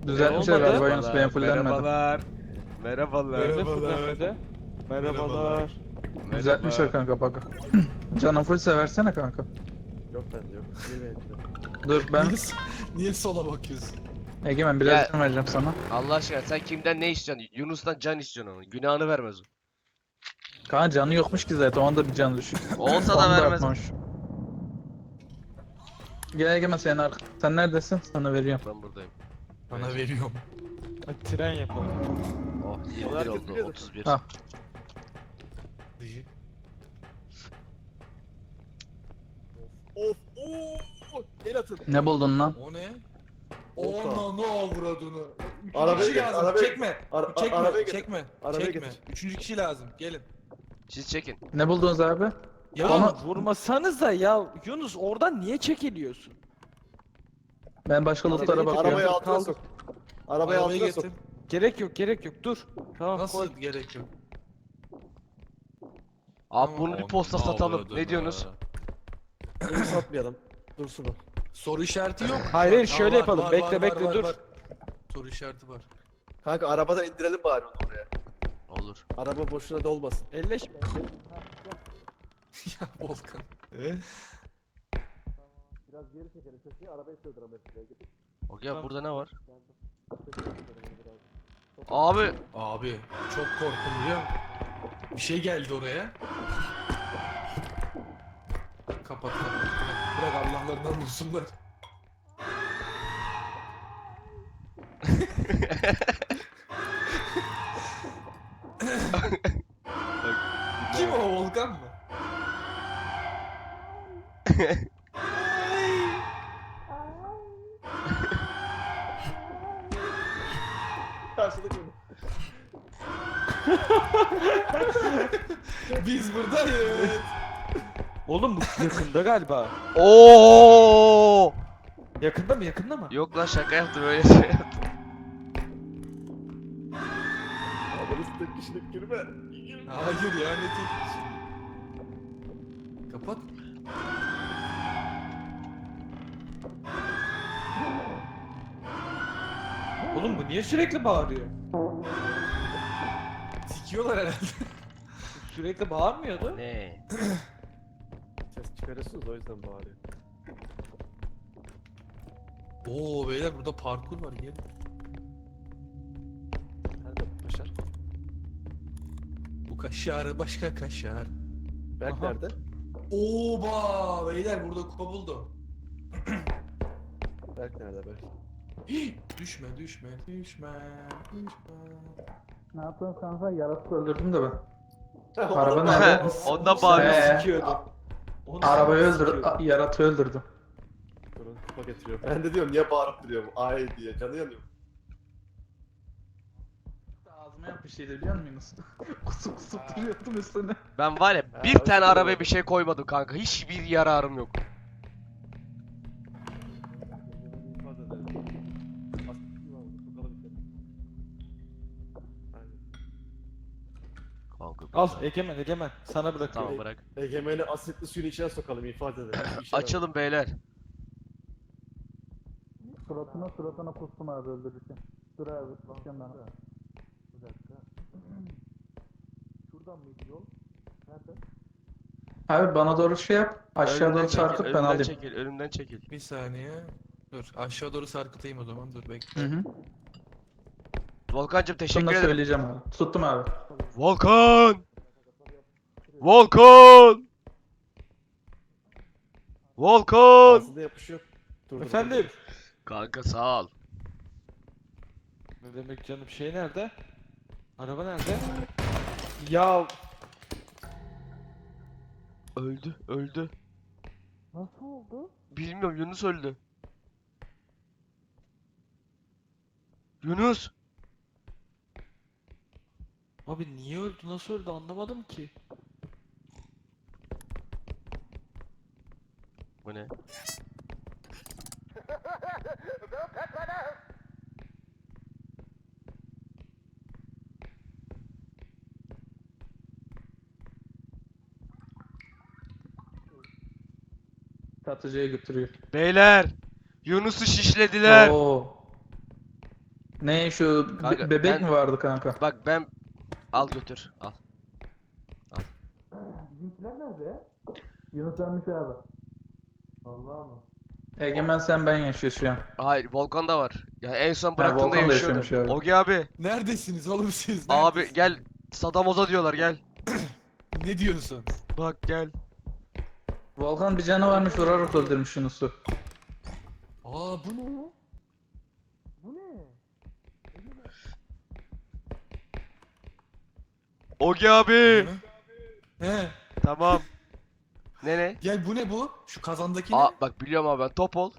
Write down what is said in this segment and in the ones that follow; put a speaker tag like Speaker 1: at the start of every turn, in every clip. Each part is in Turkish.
Speaker 1: Düzeltmişler
Speaker 2: Olmadı.
Speaker 1: galiba Yunus, benim fullenmedi.
Speaker 3: Merhabalar. Merhabalar.
Speaker 2: Fullenmedi. Merhabalar.
Speaker 1: Düzeltmişler kanka bak. Canım full seversene kanka.
Speaker 4: Yok bende yok. Niye beğendin?
Speaker 1: Dur ben
Speaker 5: Niye sola bakıyorsun?
Speaker 1: Egemen biraz
Speaker 3: Ya-
Speaker 1: can vereceğim sana.
Speaker 3: Allah aşkına sen kimden ne istiyorsun? Yunus'tan can istiyorsun onu. Günahını vermez o.
Speaker 1: Kanka canı yokmuş ki zaten, onda bir can düşük.
Speaker 3: Olsa da
Speaker 1: Onu
Speaker 3: vermez.
Speaker 1: atmamış. Gel Egemen, sen neredesin? Sana veriyorum.
Speaker 3: Ben buradayım.
Speaker 5: Bana veriyorum.
Speaker 2: Hadi tren yapalım.
Speaker 3: Oh 21
Speaker 4: herkes
Speaker 3: oldu
Speaker 4: biliyordu.
Speaker 3: 31.
Speaker 1: Ha.
Speaker 4: Of ooo. El atın.
Speaker 1: Ne buldun lan?
Speaker 5: O ne?
Speaker 4: Olta.
Speaker 5: Ona ne avradını? Üçüncü
Speaker 4: Arabaya
Speaker 5: kişi
Speaker 4: git,
Speaker 5: lazım.
Speaker 4: arabaya-
Speaker 5: Çekme.
Speaker 4: Ara-
Speaker 5: Çekme.
Speaker 4: arabaya git.
Speaker 5: Çekme.
Speaker 4: Arabaya
Speaker 5: Çekme.
Speaker 4: getir.
Speaker 5: Üçüncü kişi lazım. Gelin.
Speaker 3: Siz çekin.
Speaker 1: Ne buldunuz abi?
Speaker 5: Ya
Speaker 1: Onu-
Speaker 2: Vurmasanıza ya. Yunus oradan niye çekiliyorsun?
Speaker 1: Ben başka lootlara bakıyorum.
Speaker 4: Arabayı altına
Speaker 2: Kaldır.
Speaker 4: sok. Arabayı
Speaker 5: arabayı
Speaker 4: altına sok.
Speaker 5: getir.
Speaker 2: Gerek yok. Dur. Tamam
Speaker 5: Nasıl
Speaker 2: koy.
Speaker 5: gerek yok?
Speaker 3: Abi bunu bir
Speaker 5: Tamam,
Speaker 3: posta
Speaker 5: ne
Speaker 3: satalım.
Speaker 5: avradını?
Speaker 3: Ne diyorsunuz?
Speaker 4: Bunu satmayalım. Dursun o.
Speaker 5: Soru işareti yok.
Speaker 2: Hayır,
Speaker 5: Aa,
Speaker 2: şöyle
Speaker 5: var,
Speaker 2: yapalım.
Speaker 5: var,
Speaker 2: Bekle,
Speaker 5: var,
Speaker 2: bekle,
Speaker 5: var,
Speaker 2: dur.
Speaker 5: var. Soru işareti var.
Speaker 4: Kanka arabada indirelim bari onu oraya.
Speaker 3: Olur.
Speaker 4: Araba boşuna dolmasın.
Speaker 2: Elleşme.
Speaker 5: Ya Volkan.
Speaker 4: Biraz geri çekelim köşeye, arabayı sığdıramayız.
Speaker 3: Okey burada ne var? Abi
Speaker 5: Abi çok korktum biliyor musun? Bir şey geldi oraya. Kapat. Bırak Allah'larından vursunlar. Kim o, Volkan mı?
Speaker 4: Karşıdaki
Speaker 5: Biz buradayız.
Speaker 2: Oğlum bu yakında galiba.
Speaker 3: Oo!
Speaker 2: Yakında mı?
Speaker 3: Yok lan şaka yaptım öyle şey yaptım.
Speaker 4: arabanın tek kişilik girme. Girme.
Speaker 5: Hayır ya ne tek kişi. Kapat.
Speaker 2: Oğlum bu niye sürekli bağırıyor?
Speaker 5: Sikiyorlar herhalde.
Speaker 2: Sürekli bağırmıyordu.
Speaker 3: Ne?
Speaker 4: Ses çıkarıyorsunuz o yüzden bağırıyor.
Speaker 5: Oo beyler burada parkur var gelin.
Speaker 4: Nerede bu Başar?
Speaker 5: Bu kaşar başka kaşar.
Speaker 4: Berk
Speaker 2: Aha.
Speaker 4: nerede?
Speaker 5: Oba beyler burada kupa buldum.
Speaker 4: Berk nerede Berk?
Speaker 5: Düşme.
Speaker 1: Ne yaptın kanka? Yaratık öldürdüm de ben.
Speaker 4: Ondan
Speaker 1: Araba
Speaker 4: bağırıyor.
Speaker 1: nerede?
Speaker 3: Ondan bağırıyorsun.
Speaker 1: Ee, Arabayı yaratığı öldürdüm.
Speaker 4: Durun kupa getiriyor. Ben de diyorum niye bağırıp duruyorum? Ay diye canı yanıyor.
Speaker 1: Ağzıma yap bir şeydi biliyor musun Yunus? Kusup duruyordum üstüne.
Speaker 3: Ben var ya bir
Speaker 4: hoş
Speaker 3: tane
Speaker 4: geldin.
Speaker 3: arabaya bir şey koymadım kanka. Hiçbir yararım yok. Kanka.
Speaker 2: Al Egemen sana bırakıyorum.
Speaker 3: Tamam bırak.
Speaker 4: Egemeni asitli suyun içine sokalım ifade edelim. Bir şey
Speaker 3: Açılın beyler.
Speaker 1: Suratına kustum abi öldürürken. Dur abi bakıyorum ben. Bir dakika. Şuradan mıydı yol? Nerede? Abi bana doğru şey yap. Aşağı
Speaker 3: Önümden
Speaker 1: doğru sarkıt ben
Speaker 3: önümden
Speaker 1: alayım.
Speaker 3: çekil, önümden çekil.
Speaker 5: Bir saniye. Dur aşağı doğru sarkıtayım o zaman dur bekle.
Speaker 1: Hı hı.
Speaker 3: Volkancım teşekkür
Speaker 1: Şunu da
Speaker 3: ederim.
Speaker 1: söyleyeceğim abi. Tuttum abi.
Speaker 3: Volkan! Volkan! Volkan!
Speaker 4: Ağzında yapışıyor. Dur, dur,
Speaker 2: Efendim?
Speaker 3: Kanka sağ ol.
Speaker 2: Ne demek canım, şey nerede? Araba nerede? Ya
Speaker 3: Öldü.
Speaker 2: nasıl oldu?
Speaker 3: Bilmiyorum Yunus öldü. Yunus!
Speaker 2: Abi niye öldü, nasıl öldü anlamadım ki.
Speaker 3: Bu ne?
Speaker 1: Satıcıya götürüyor.
Speaker 3: Beyler! Yunus'u şişlediler.
Speaker 1: Oo. Ne şu
Speaker 3: Kanka,
Speaker 1: bebek
Speaker 3: ben-
Speaker 1: mi vardı kanka?
Speaker 3: Bak ben al götür. Al.
Speaker 1: Bizimkiler nerede ya? Yunus ölmüş abi.
Speaker 4: Vallahi mı?
Speaker 1: Egemen sen ben yaşıyor şu an.
Speaker 3: Hayır Volkan'da var. Ya en son bıraktığımda
Speaker 1: Volkan da
Speaker 3: yaşıyordu.
Speaker 1: yaşıyormuş abi.
Speaker 3: Ogi abi.
Speaker 5: Neredesiniz oğlum siz?
Speaker 3: Abi
Speaker 5: Neredesiniz?
Speaker 3: gel. Sadamoza diyorlar gel.
Speaker 5: Ne diyorsun?
Speaker 3: Bak gel.
Speaker 1: Volkan bir canı varmış vurarak öldürmüş Yunus'u.
Speaker 5: Aa bu ne?
Speaker 3: Ogi abi.
Speaker 5: He.
Speaker 3: Tamam. Ne?
Speaker 5: Gel bu ne bu? Şu kazandaki ne?
Speaker 3: Aa bak biliyorum abi ben top ol.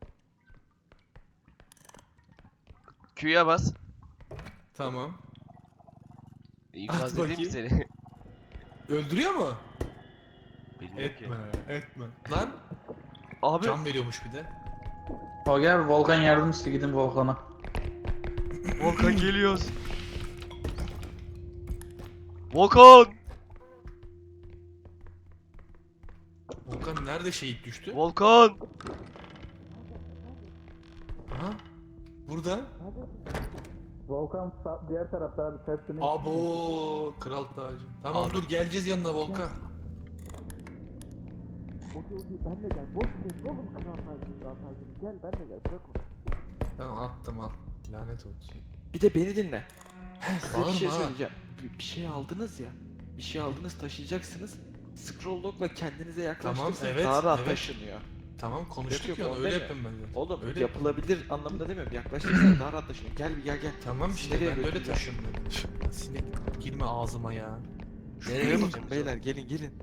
Speaker 3: Q'ya bas.
Speaker 5: Tamam.
Speaker 3: İnfaz
Speaker 5: At
Speaker 3: edeyim mi
Speaker 5: bakayım.
Speaker 3: seni?
Speaker 5: Öldürüyor mu?
Speaker 3: Bilmiyorum ki.
Speaker 5: Etme. Lan
Speaker 3: Abi
Speaker 5: can veriyormuş bir de.
Speaker 1: O gel Volkan yardım iste gidin Volkan'a.
Speaker 3: Volkan geliyoruz. Volkan!
Speaker 5: Volkan nerede şehit düştü?
Speaker 3: Volkan!
Speaker 5: Aha. Burada.
Speaker 1: Volkan diğer tarafta abi tersine.
Speaker 5: Abo kral tacı. Tamam
Speaker 3: Abi.
Speaker 5: dur geleceğiz yanına Volkan. Tamam attım al. Lanet olsun.
Speaker 2: Bir de beni dinle. Size bir şey
Speaker 5: Bağırma ha.
Speaker 2: söyleyeceğim. Bir şey aldınız ya. Bir şey aldınız taşıyacaksınız. Scroll lock'la kendinize yaklaştırırsanız
Speaker 5: evet,
Speaker 2: daha rahat
Speaker 5: evet.
Speaker 2: taşınıyor.
Speaker 5: Tamam konuştuk
Speaker 2: Yok,
Speaker 5: ya
Speaker 2: yok,
Speaker 5: öyle
Speaker 2: deme.
Speaker 5: yapayım ben de.
Speaker 2: Oğlum
Speaker 5: Öyle.
Speaker 2: yapılabilir anlamında demiyorum. Yaklaştırırsanız daha rahat taşınıyor. Gel bir gel.
Speaker 5: Tamam
Speaker 2: Siz
Speaker 5: işte
Speaker 2: nereye
Speaker 5: ben böyle
Speaker 2: götüreceğim?
Speaker 5: taşıyorum ben. Sinek girme ağzıma ya.
Speaker 3: Nereye
Speaker 2: Şuraya
Speaker 3: bakacağım
Speaker 2: bakın
Speaker 3: biz
Speaker 2: beyler gelin.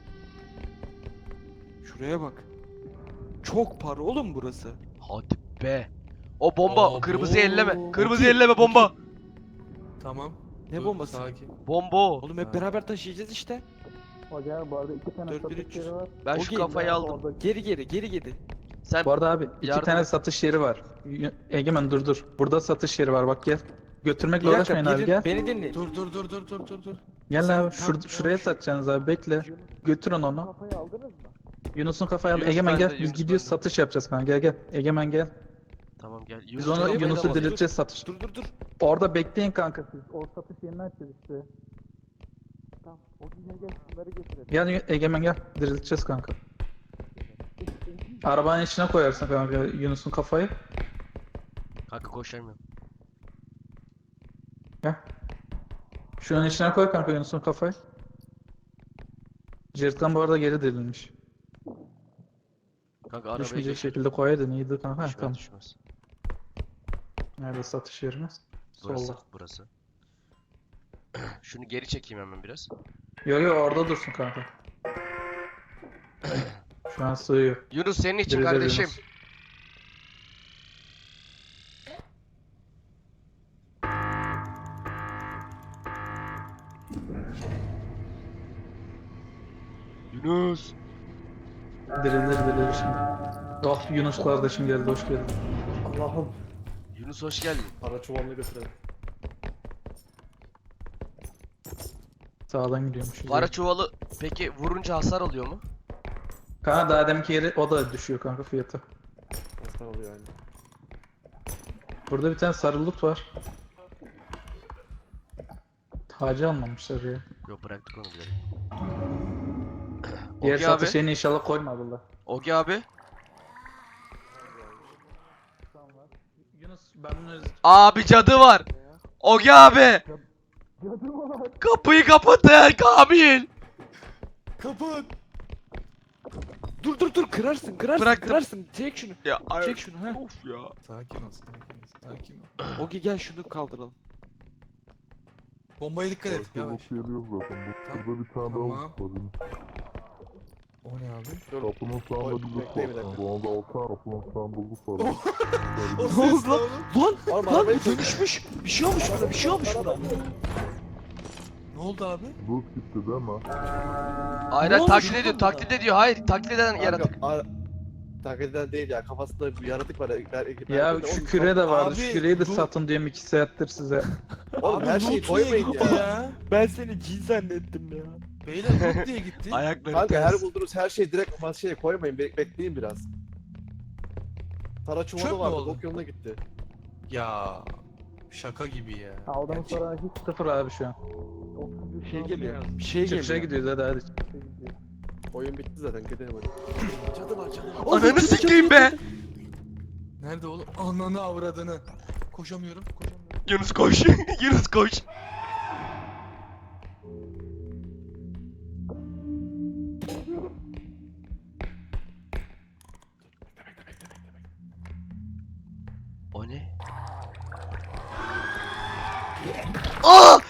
Speaker 2: Şuraya bak. Çok para oğlum burası.
Speaker 3: Hadi be. O bomba
Speaker 5: Abo.
Speaker 3: kırmızı elleme. Kırmızı
Speaker 5: Okey,
Speaker 3: elleme bomba.
Speaker 5: Tamam.
Speaker 2: Ne
Speaker 5: dur,
Speaker 2: bombası?
Speaker 5: Sakin.
Speaker 3: Bomba o.
Speaker 2: Oğlum hep
Speaker 5: Ha.
Speaker 2: beraber taşıyacağız işte.
Speaker 1: O gel bu arada iki tane
Speaker 2: 4300.
Speaker 1: satış yeri var.
Speaker 3: Ben
Speaker 2: O
Speaker 3: şu
Speaker 2: geliyor
Speaker 3: kafayı
Speaker 2: abi,
Speaker 3: aldım.
Speaker 2: Geri.
Speaker 3: Sen
Speaker 1: Bu arada abi iki
Speaker 3: Yardım
Speaker 1: tane
Speaker 3: et.
Speaker 1: satış yeri var. Egemen dur. Burada satış yeri var bak gel. Götürmekle
Speaker 2: Bir dakika
Speaker 1: uğraşmayın abi gel.
Speaker 2: beni dinleyin.
Speaker 5: Dur.
Speaker 1: Gel
Speaker 5: Sen-
Speaker 1: abi şuraya satacaksınız abi bekle. Götürün onu.
Speaker 2: Kafayı aldınız mı?
Speaker 1: Yunus'un kafayı al.
Speaker 3: Yunus
Speaker 1: Egemen
Speaker 3: bende,
Speaker 1: gel biz
Speaker 3: Yunus
Speaker 1: gidiyoruz
Speaker 3: bende.
Speaker 1: satış yapacağız kanka gel. Egemen gel.
Speaker 3: tamam gel.
Speaker 1: Biz
Speaker 3: Yunus
Speaker 1: onu
Speaker 3: Emre'ye
Speaker 1: Yunus'u
Speaker 3: bak.
Speaker 1: dirilteceğiz satış.
Speaker 2: Dur.
Speaker 1: Orada bekleyin kanka siz. O satış yerini açacağız işte.
Speaker 2: Tamam. O gün gel şunları getirelim.
Speaker 1: Gel Egemen gel. Dirilteceğiz kanka. Arabanın içine koyarsın kanka Yunus'un kafayı.
Speaker 3: Kanka koşamıyorum.
Speaker 1: Gel. Şunun içine koy kanka Yunus'un kafayı. Jertkan bu arada geri dirilmiş.
Speaker 3: Kanka arabaya
Speaker 1: Düşmeyecek
Speaker 3: geç.
Speaker 1: şekilde koyaydın iyiydi kanka.
Speaker 3: Düşmez,
Speaker 1: Tamam.
Speaker 3: düşmez.
Speaker 1: Nerede satış yerimiz?
Speaker 3: Burası,
Speaker 1: Solda.
Speaker 3: burası. Şunu geri çekeyim hemen biraz.
Speaker 1: Yo orada dursun kanka. Şu an sığıyor.
Speaker 3: Yunus senin için
Speaker 1: Dirilir
Speaker 3: kardeşim.
Speaker 1: Yunus.
Speaker 3: Yunus.
Speaker 1: Dirilir şimdi. Oh Yunus kardeşim geldi hoş geldin.
Speaker 4: Allah'ım.
Speaker 3: Yunus hoş geldin.
Speaker 4: Para çuvalını götürelim.
Speaker 1: Sağdan gidiyormuş.
Speaker 3: Para çuvalı peki vurunca hasar alıyor mu?
Speaker 1: Kanka daha deminki yeri o da düşüyor kanka fiyatı.
Speaker 4: Nasıl oluyor yani?
Speaker 1: Burada bir tane sarılık var. Hacı almamışlar ya.
Speaker 3: Yok bıraktık onu bile.
Speaker 1: Diğer
Speaker 3: Ogi
Speaker 1: satış
Speaker 3: abi.
Speaker 1: yerini inşallah koymadılar.
Speaker 3: Ogi abi.
Speaker 1: Yunus ben bunu
Speaker 3: Abi cadı var. Ogi abi. Kapıyı kapatın Kamil.
Speaker 2: Kapat. Dur kırarsın
Speaker 3: Bıraktım.
Speaker 2: kırarsın. Çek şunu.
Speaker 3: Ya
Speaker 2: Çek şunu ha.
Speaker 3: Of ya.
Speaker 5: Sakin ol.
Speaker 2: Ogi gel şunu kaldıralım.
Speaker 5: Bombaya dikkat et. Yavaş.
Speaker 6: Geliyor zaten.
Speaker 5: Tamam.
Speaker 6: Burada bir tane
Speaker 5: Tamam.
Speaker 6: daha var.
Speaker 5: O ne abi?
Speaker 6: Kapının sağında bir lüks
Speaker 4: bekle bir
Speaker 6: var.
Speaker 4: dakika.
Speaker 6: Bu anda 6 tane kapının sağında lüks var.
Speaker 2: Ne oldu lan?
Speaker 4: Oğlum
Speaker 2: Lan
Speaker 4: arabayı
Speaker 2: dönüşmüş. Bir şey olmuş buna.
Speaker 5: Ne oldu abi?
Speaker 6: Lüks gitti değil mi?
Speaker 3: Hayır
Speaker 2: Ne
Speaker 3: hayır,
Speaker 2: olmuş
Speaker 3: taklit
Speaker 2: oğlum
Speaker 3: ediyor
Speaker 2: buna?
Speaker 3: taklit ediyor. Hayır taklit eden yaratık.
Speaker 4: Taklit eden değil ya. Kafasında bir yaratık var.
Speaker 1: Ya şu küre de vardı.
Speaker 5: Abi,
Speaker 1: Şu küreyi de
Speaker 5: dur.
Speaker 1: satın diyorum 2 saattir size.
Speaker 4: Oğlum her şeyi
Speaker 5: Loot
Speaker 4: koymayın
Speaker 5: diye gitti
Speaker 4: ya.
Speaker 2: Ben seni cin zannettim ya.
Speaker 5: Beyler loot diye gitti.
Speaker 3: Ayakları
Speaker 4: Kanka her
Speaker 3: ters.
Speaker 4: bulduğunuz her şeyi direkt masaya koymayın. Bekleyin biraz. Para
Speaker 5: Çöp
Speaker 4: çuvalı
Speaker 5: mü
Speaker 4: vardı.
Speaker 5: oldu?
Speaker 4: Bok yoluna gitti.
Speaker 5: Ya Şaka gibi ya.
Speaker 1: Aldığımız
Speaker 5: Gerçek.
Speaker 1: para hiç sıfır abi şu an.
Speaker 2: Bir şey geliyor. Bir şey
Speaker 1: Çıkışa
Speaker 2: geliyor.
Speaker 1: gidiyoruz hadi.
Speaker 4: Oyun bitti zaten gidelim hadi.
Speaker 5: Cadı var cadı.
Speaker 3: Ananı sikeyim be.
Speaker 5: Nerede oğlum? Ananı avradını. Koşamıyorum.
Speaker 3: Yunus koş. Yunus koş. O ne? Aa!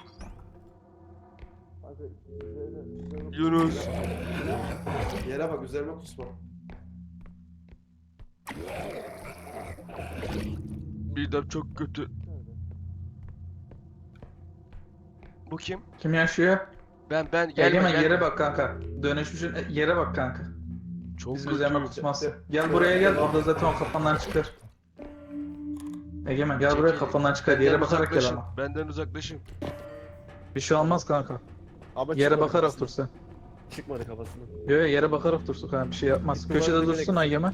Speaker 3: Yunus.
Speaker 4: Yere bak üzerime kusma.
Speaker 3: Midem çok kötü. Bu kim?
Speaker 1: Kim yaşıyor?
Speaker 3: Ben gelme
Speaker 1: Egemen
Speaker 3: gelme.
Speaker 1: yere bak kanka. Dönüşmüşün yere bak kanka.
Speaker 3: Çok
Speaker 1: Bizim üzerime
Speaker 3: kötü.
Speaker 1: kusmaz. Gel buraya gel. Orada zaten o kafandan çıkar. Egemen gel buraya
Speaker 3: Çekil.
Speaker 1: kafandan çıkar.
Speaker 3: Benden
Speaker 1: Yere bakarak gel
Speaker 3: uzaklaşın.
Speaker 1: ama.
Speaker 3: Benden uzaklaşın.
Speaker 1: Bir şey olmaz kanka.
Speaker 4: Ama
Speaker 1: Yere
Speaker 4: çıkmadı
Speaker 1: bakarak
Speaker 4: kafasına.
Speaker 1: dur sen.
Speaker 4: Çıkmadı kafasına.
Speaker 1: Yo yo, yere bakarak dursun kanka bir şey yapmaz.
Speaker 4: İhtimalle
Speaker 1: Köşede
Speaker 4: bilerek-
Speaker 1: dursun Egemen.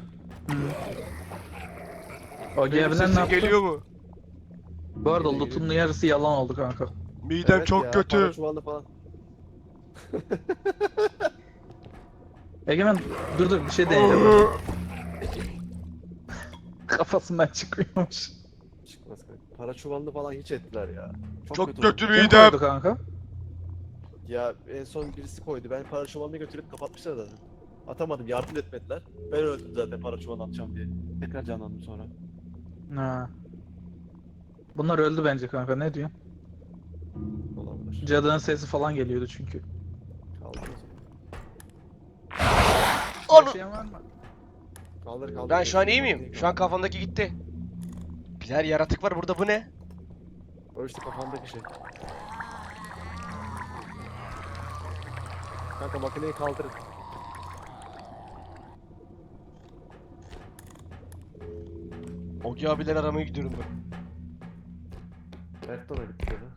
Speaker 1: O
Speaker 3: Benim
Speaker 1: gevlen ne
Speaker 3: sesim
Speaker 1: yaptı?
Speaker 3: geliyor mu?
Speaker 1: Bu arada loot'un yarısı yalan oldu kanka.
Speaker 3: Midem
Speaker 4: Evet
Speaker 3: çok
Speaker 4: ya,
Speaker 3: kötü.
Speaker 4: para çuvalı falan.
Speaker 1: Egemen dur bir şey deneyeceğim. Kafasından çıkıyormuş.
Speaker 4: Çıkmaz kanka. Para çuvalını falan hiç ettiler ya.
Speaker 3: Çok
Speaker 4: oldu.
Speaker 3: kötü
Speaker 1: Kim
Speaker 3: midem.
Speaker 1: koydu kanka?
Speaker 4: Ya en son birisi koydu. Ben para çuvalını götürüp kapatmışlar zaten. Atamadım, yardım etmediler. Ben öldüm zaten para çuvalını atacağım diye. Tekrar canlandım sonra.
Speaker 1: Ha. Bunlar öldü bence kanka ne diyorsun?
Speaker 4: Olabilir.
Speaker 1: Cadının sesi falan geliyordu çünkü.
Speaker 4: Kaldır o zaman.
Speaker 3: Onu-
Speaker 1: Yaşayan var mı?
Speaker 4: Kaldır kaldır.
Speaker 3: Ben şu an iyi miyim? Şu an kafamdaki gitti. Birer yaratık var burada, bu ne?
Speaker 4: O işte kafandaki şey. Kanka makineyi kaldırın.
Speaker 3: Ogi abiler aramaya gidiyorum ben.
Speaker 4: Mert de ona gitti ya.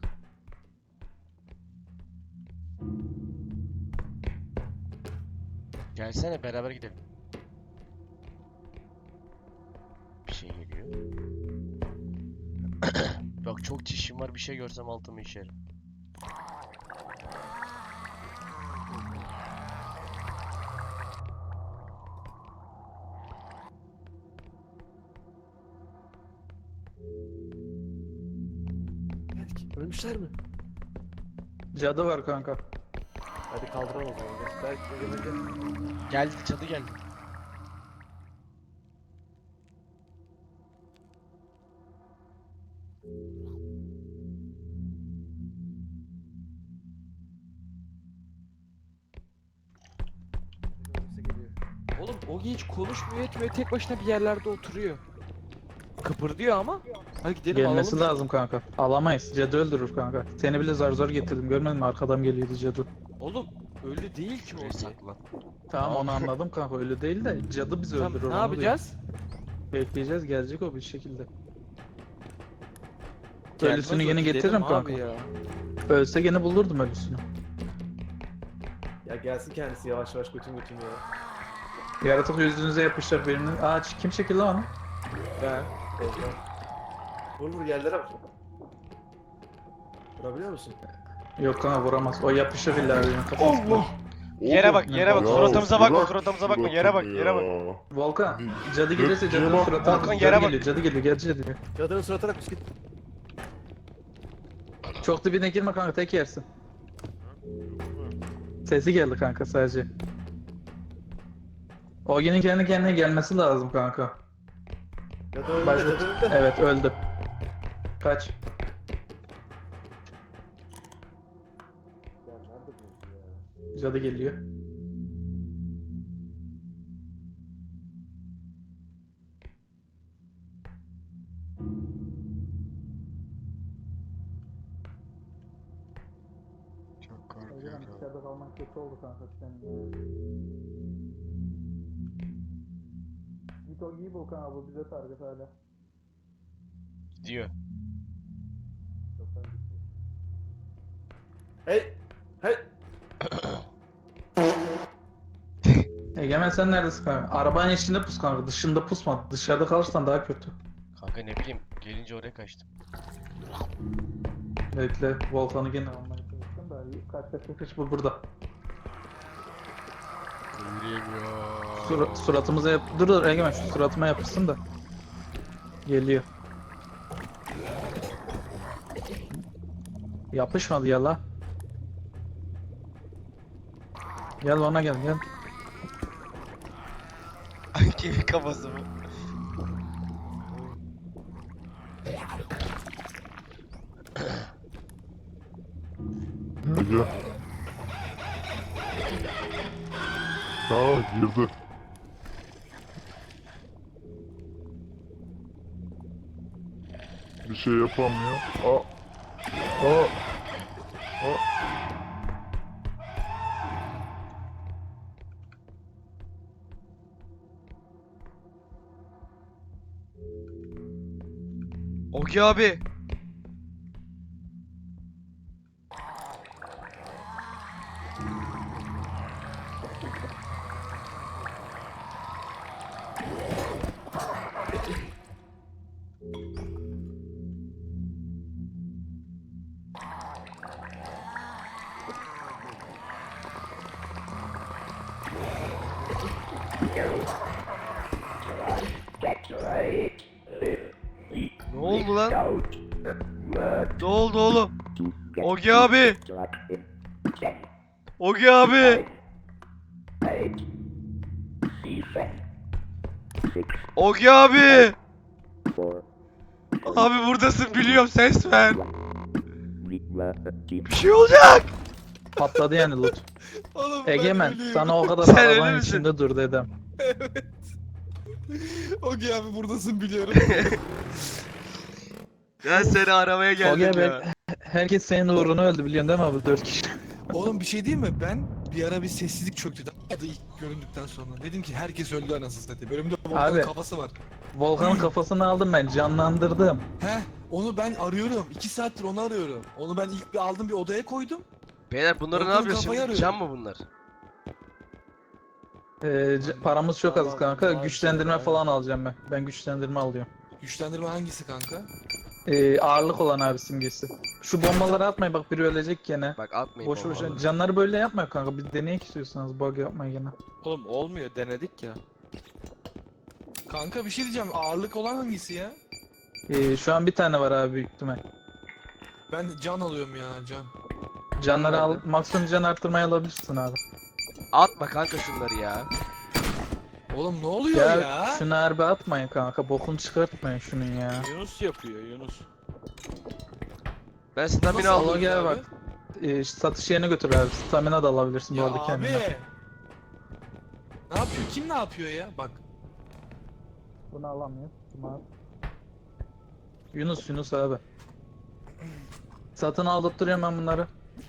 Speaker 3: Gelsene beraber gidelim. Bir şey geliyor. Bak çok çişim var, bir şey görsem altımı işerim.
Speaker 4: Belki ölmüşler mi?
Speaker 1: Cadı var kanka.
Speaker 4: Hadi kaldıralım o zaman. Belki gel.
Speaker 3: Geldi, çadı geldi.
Speaker 4: Birisi geliyor.
Speaker 2: Oğlum Ogi hiç konuşmuyor etmiyor, tek başına bir yerlerde oturuyor. Kıpırdıyor ama. Hadi gidelim
Speaker 1: Gelmesi
Speaker 2: alalım.
Speaker 1: lazım kanka. Alamayız. Cadı öldürür kanka. Seni bile zar zor getirdim. Görmedin mi? Arkadan geliyordu cadı.
Speaker 2: Oğlum öyle değil ki
Speaker 3: Şuraya
Speaker 2: Ogi.
Speaker 3: saklan.
Speaker 1: Tamam onu anladım kanka. Öyle değil de cadı bizi
Speaker 2: Tamam,
Speaker 1: öldürür.
Speaker 2: ne
Speaker 1: onu
Speaker 2: yapacağız?
Speaker 1: diyorum. Bekleyeceğiz. Gelecek o bir şekilde.
Speaker 2: Gelmez
Speaker 1: Ölüsünü
Speaker 2: o,
Speaker 1: yine
Speaker 2: gidelim
Speaker 1: getiririm
Speaker 2: abi
Speaker 1: kanka.
Speaker 2: ya.
Speaker 1: Ölse gene bulurdum ölüsünü.
Speaker 4: Ya gelsin kendisi yavaş yavaş götüm ya.
Speaker 1: Yaratık yüzünüze yapışacak birinin. Aa kim çekildi lan onu?
Speaker 2: Ben.
Speaker 4: Ezber. Vur vur yerlere bak. Vurabiliyor musun?
Speaker 1: Yok kanka vuramaz. O yapışır illa birinin kafasına.
Speaker 3: Allah! Yere bak, yere bak.
Speaker 6: Ya,
Speaker 3: Suratımıza bakma,
Speaker 6: bırak
Speaker 3: suratımıza bakma. Yere bak, yere bak.
Speaker 6: ya.
Speaker 1: Volkan, cadı gelirse cadının
Speaker 6: Volkan,
Speaker 1: suratına
Speaker 3: Volkan,
Speaker 1: cadı
Speaker 3: yere bak.
Speaker 1: geliyor, cadı geliyor, gel cadı geliyor.
Speaker 4: Cadının suratına kus git.
Speaker 1: Çok dibine girme kanka, tek yersin. Sesi geldi kanka sadece. Ogi'nin kendi kendine gelmesi lazım kanka.
Speaker 4: Cadı önünde,
Speaker 1: Başla.
Speaker 4: cadı önünde.
Speaker 1: Evet öldü. Kaç.
Speaker 4: Ya nerede bu ya?
Speaker 1: Cadı geliyor.
Speaker 3: Çok korkuyorum.
Speaker 1: dışarıda kalman kötü oldu kanka senin. Git Ogi'yi bul kanka, bu bize target hala.
Speaker 3: Gidiyor.
Speaker 4: Hey! Hey!
Speaker 1: Egemen sen neredesin kanka? Arabanın içinde pus kanka, dışında pusma. Dışarıda kalırsan daha kötü.
Speaker 3: Kanka Kanka ne bileyim gelince oraya kaçtım.
Speaker 1: Bekle, Volkan'ı gene almaya çalıştım da kaç bu burada.
Speaker 3: Yürüyemiyor.
Speaker 1: Suratımıza yap... Dur Egemen şu suratıma yapışsın da. Geliyor. Yapışmadı ya la. Gel ona gel.
Speaker 3: Kimin kafası bu?
Speaker 6: Ece. Aa girdi. Bir şey yapamıyor. Aa. Aa. Aa.
Speaker 3: Ogi abi. Ne oldu lan? Ne oldu oğlum? Ogi abi. Ogi abi. Ogi abi. Abi buradasın biliyorum ses ver. Bir şey olacak.
Speaker 1: Patladı yani loot.
Speaker 5: Oğlum ben
Speaker 1: Egemen
Speaker 5: ölüyüm.
Speaker 1: sana o kadar
Speaker 3: Sen ölü
Speaker 1: arabanın
Speaker 3: müsün?
Speaker 1: içinde dur dedim.
Speaker 5: Ogi abi buradasın biliyorum.
Speaker 3: Ben seni aramaya geldim
Speaker 1: Ogi
Speaker 3: ya.
Speaker 1: abi herkes senin uğruna öldü biliyorsun değil mi abi 4 kişi.
Speaker 5: Oğlum bir şey diyeyim mi? Ben bir ara bir sessizlik çöktü. Adı ilk göründükten sonra. Dedim ki herkes öldü anasını satayım. Önümde Volkan'ın
Speaker 1: Abi.
Speaker 5: kafası var.
Speaker 1: Volkan'ın kafasını aldım ben canlandırdım.
Speaker 5: He, onu ben arıyorum. 2 saattir onu arıyorum. Onu ben ilk bir aldım bir odaya koydum.
Speaker 3: Beyler bunları ne
Speaker 5: Volkan'ın
Speaker 3: yapıyorsun
Speaker 5: kafayı
Speaker 3: şimdi?
Speaker 5: arıyorum.
Speaker 3: Can mı bunlar?
Speaker 1: Paramız çok az
Speaker 4: Tamam,
Speaker 1: kanka.
Speaker 4: tamam,
Speaker 1: Güçlendirme
Speaker 4: tamam.
Speaker 1: falan alacağım ben. Ben güçlendirme alıyorum.
Speaker 5: Güçlendirme hangisi kanka?
Speaker 1: Ağırlık olan abi simgesi. Şu bombaları atmayın bak biri ölecek gene.
Speaker 3: Bak atmayın
Speaker 1: Boş boş.
Speaker 3: bombaları.
Speaker 1: Canları böyle yapma kanka. Bir deneyek istiyorsanız bug yapmayın gene.
Speaker 2: Oğlum olmuyor denedik ya.
Speaker 5: Kanka bir şey diyeceğim. Ağırlık olan hangisi ya?
Speaker 1: Şu an bir tane var abi büyük ihtimal.
Speaker 5: Ben can alıyorum ya can.
Speaker 1: Canları al,
Speaker 2: Nerede?
Speaker 1: maksimum can arttırmayı alabilirsin abi.
Speaker 3: Atma kanka şunları ya.
Speaker 5: Oğlum ne oluyor
Speaker 1: Ya,
Speaker 5: ya?
Speaker 1: şunu harbi atmayın kanka. Bokunu çıkartmayın şunun ya.
Speaker 2: Yunus yapıyor Yunus.
Speaker 3: Ben stamina
Speaker 5: Nasıl
Speaker 3: aldım.
Speaker 1: Allah gel
Speaker 5: abi?
Speaker 1: bak. Satış yerine götür abi. Stamina da alabilirsin bu
Speaker 5: Ya
Speaker 1: arada
Speaker 5: abi.
Speaker 1: kendine.
Speaker 5: Ne yapıyor? Kim ne yapıyor ya? Bak.
Speaker 1: Bunu alamıyor. Yunus abi. Satın aldırtıyorum ben bunları.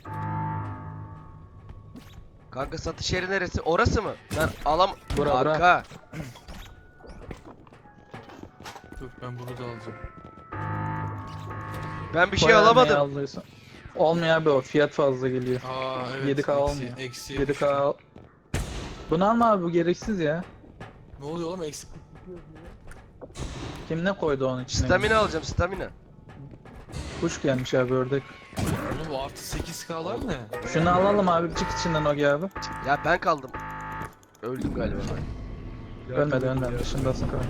Speaker 3: Kanka satış yeri neresi? Orası mı? Ben alam...
Speaker 1: Bura, bura.
Speaker 3: Kanka.
Speaker 5: Dur ben bunu da alacağım.
Speaker 3: Ben bir şey
Speaker 1: Bayağı
Speaker 3: alamadım.
Speaker 1: neyi aldıysan. Olmuyor abi o fiyat fazla geliyor.
Speaker 5: Aa evet.
Speaker 1: 7K olmuyor.
Speaker 5: Eksi
Speaker 1: 7K al. Bunu alma abi bu gereksiz ya.
Speaker 5: Ne oluyor oğlum eksi?
Speaker 1: Kim ne koydu onun içine?
Speaker 3: Stamina alacağım stamina.
Speaker 1: Kuş gelmiş abi ördek.
Speaker 5: Oğlum bu artı 8K'lar ne?
Speaker 1: Şunu alalım abi çık içinden Ogi abi.
Speaker 3: Ya ben kaldım. Öldüm galiba ben.
Speaker 1: Ölmedi dışındasın kanka.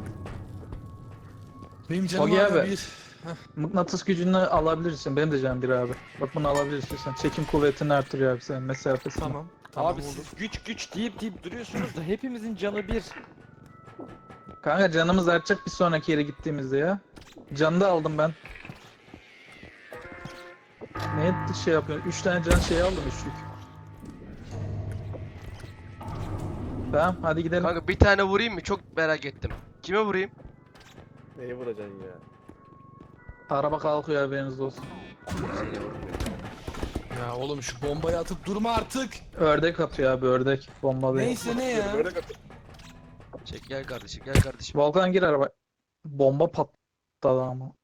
Speaker 5: Benim canım
Speaker 1: Ogi
Speaker 5: hala
Speaker 1: abi.
Speaker 5: bir.
Speaker 1: Mıknatıs gücünü alabilirsin. Benim de canım bir abi. Bak bunu alabilirsin sen. Çekim kuvvetini artırıyor abi senin mesafesini.
Speaker 5: Tamam. Tamam
Speaker 2: Abi
Speaker 5: oldu.
Speaker 2: siz güç deyip duruyorsunuz da hepimizin canı bir.
Speaker 1: Kanka canımız artacak bir sonraki yere gittiğimizde ya. Canı da aldım ben. Ne şey yapıyorsun? 3 tane can şey aldım üçlük. Tamam hadi gidelim.
Speaker 3: Kanka bir tane vurayım mı? Çok merak ettim. Kime vurayım?
Speaker 4: Neyi vuracaksın ya?
Speaker 1: Araba kalkıyor haberiniz olsun.
Speaker 3: Seni vurmuyorum.
Speaker 5: Ya oğlum şu bombayı atıp durma artık.
Speaker 1: Ördek atıyor abi ördek. Bombalıyor.
Speaker 5: Neyse ne ya?
Speaker 4: Böyle kat-
Speaker 3: Çek gel kardeşim gel kardeşim.
Speaker 1: Volkan gir araba. Bomba patladı ama.